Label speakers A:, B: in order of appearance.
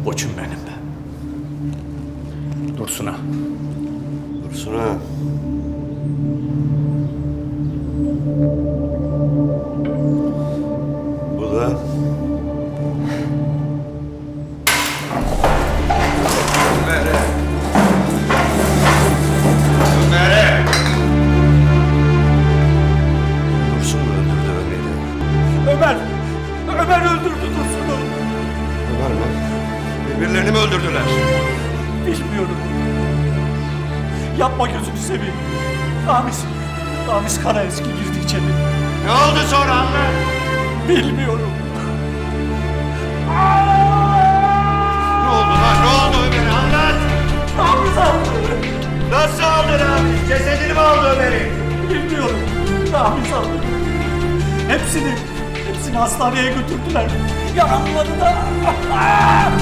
A: Koçum benim. Dursun'a.
B: Dursun'a. Bu da Ömer'e. Ömer'e. Dursun mu öldürdü Ömer'i?
A: Ömer öldürdü Dursun'u.
B: Ömer mi? Birbirlerini mi öldürdüler?
A: Bilmiyorum. Yapma gözünü seveyim. Ramiz Karaeski girdi içeri.
B: Ne oldu sonra anne?
A: Bilmiyorum.
B: Ne oldu lan? Ne oldu Ömer'i? Anlat!
A: Ramiz aldı.
B: Nasıl aldı Ramiz? Cesedini mi aldı Ömer'i?
A: Bilmiyorum. Ramiz aldı. Hepsini hastaneye götürdüler. Yaralıları da.